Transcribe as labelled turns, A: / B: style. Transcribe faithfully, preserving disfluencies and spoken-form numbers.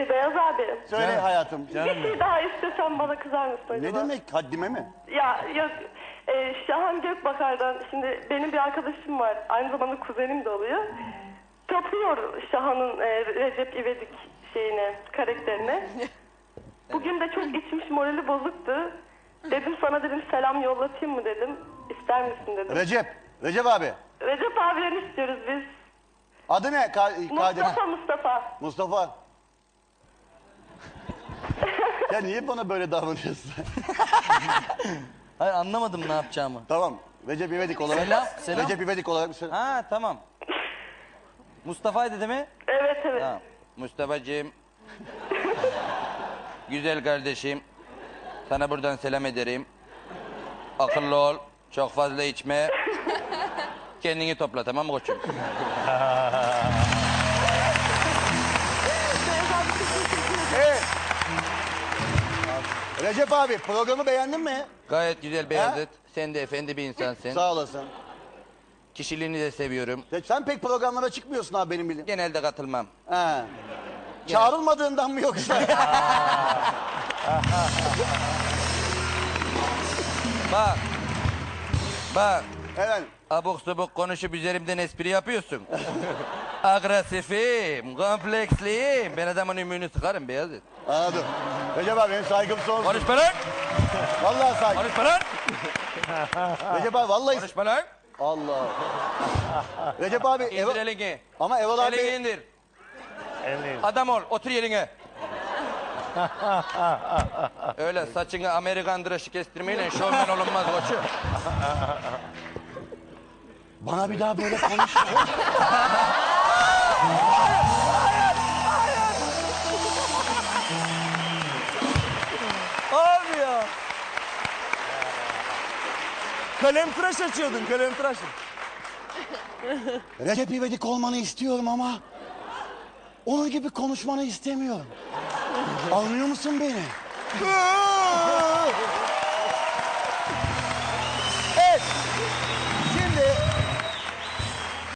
A: Ee, Beyaz abi.
B: Söyle
C: Canım.
B: hayatım.
A: Bir şey daha istesem bana kızar mısın acaba?
B: Ne demek? Haddime mi?
A: Ya yok. E, Şahan Gökbakar'dan şimdi benim bir arkadaşım var. Aynı zamanda kuzenim de oluyor. Tapıyor Şahan'ın e, Recep İvedik şeyine, karakterine. Bugün de çok içmiş, morali bozuktu. Dedim sana dedim selam yollatayım mı dedim. İster misin dedim.
B: Recep. Recep abi.
A: Recep abiden istiyoruz biz.
B: Adı ne? Ka Kadir.
A: Mustafa Mustafa.
B: Mustafa. Ya niye bana böyle davranıyorsun?
C: Hayır anlamadım ne yapacağımı.
B: Tamam. Recep İvedik olarak.
C: Selam, selam.
B: Recep İvedik olarak bir selam.
C: Ha tamam. Mustafa'ydı değil mi?
A: Evet evet.
C: Tamam. Mustafa'cığım. Güzel kardeşim. Sana buradan selam ederim. Akıllı ol. Çok fazla içme. Kendini topla tamam mı koçum?
B: Evet. Recep abi programı beğendin mi?
C: Gayet güzel Beyazıt. Sen de efendi bir insansın.
B: Sağ olasın.
C: Kişiliğini de seviyorum.
B: Ya sen pek programlara çıkmıyorsun abi benim bildiğim.
C: Genelde katılmam.
B: He. Çağrılmadığından mı yoksa?
C: Bak. Bak.
B: Evet.
C: Abuk subuk konuşup üzerimden espri yapıyorsun. Agresifim, kompleksliyim. Ben adamın ümüğünü sıkarım Beyazıt.
B: Anladım. Recep abi benim saygım sonsuz.
C: Konuşma lan!
B: Vallahi saygım.
C: Konuşma lan!
B: Recep abi vallahi...
C: Konuşma lan!
B: Allah. Recep abi...
C: İndir
B: Evo...
C: elini.
B: Ama Erol abi...
C: Elini indir. Adam ol, otur yerine. Öyle saçını Amerikan dışı kestirmeyle şovmen olunmaz koçum.
B: Bana bir daha böyle konuşma.
D: Abi ya. Kalem tıraş açıyordun, kalem tıraş.
B: Recep İvedik olmanı istiyorum ama... onun gibi konuşmanı istemiyorum. Anlıyor musun beni?